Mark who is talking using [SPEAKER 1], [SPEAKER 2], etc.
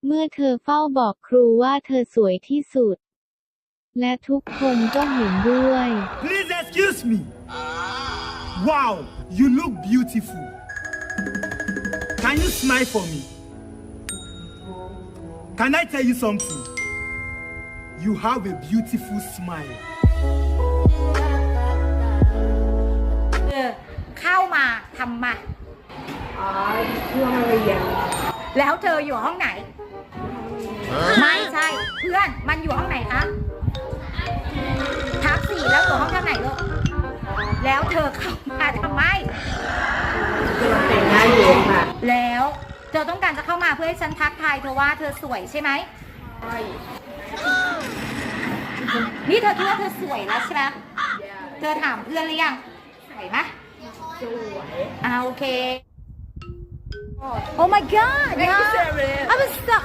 [SPEAKER 1] เมื่อเธอเฝ้าบอกครูว่าเธอสวยที่สุด และทุกคนก็เห็นด้วย
[SPEAKER 2] Please excuse me. Wow, you look beautiful. Can you smile for me? Can I tell you something? You have a beautiful smile.
[SPEAKER 3] เข้ามาทำมา
[SPEAKER 4] ช่วงเรียน
[SPEAKER 3] แล้วเธออยู่ห้องไหน ไม่ใช่ เพื่อนมันอยู่ห้องไหนคะทับ4แล้วอยู่ห้องท่าไหนลูกแล้วเธอเข้ามาทำไม
[SPEAKER 4] กำลังแต่งหน้าอยู่ค่ะ
[SPEAKER 3] แล้วเธอต้องการจะเข้ามาเพื่อให้ฉันทักทายเธอว่าเธอสวยใช่ไหม
[SPEAKER 4] ใช่
[SPEAKER 3] นี่เธอคิดว่าเธอสวยแล้วใช่ไหมเธอถามเพื่อนหรือยังสวยไหม
[SPEAKER 4] สวย
[SPEAKER 3] โอเค Oh my god
[SPEAKER 4] Thank you, Sarah.
[SPEAKER 3] I was so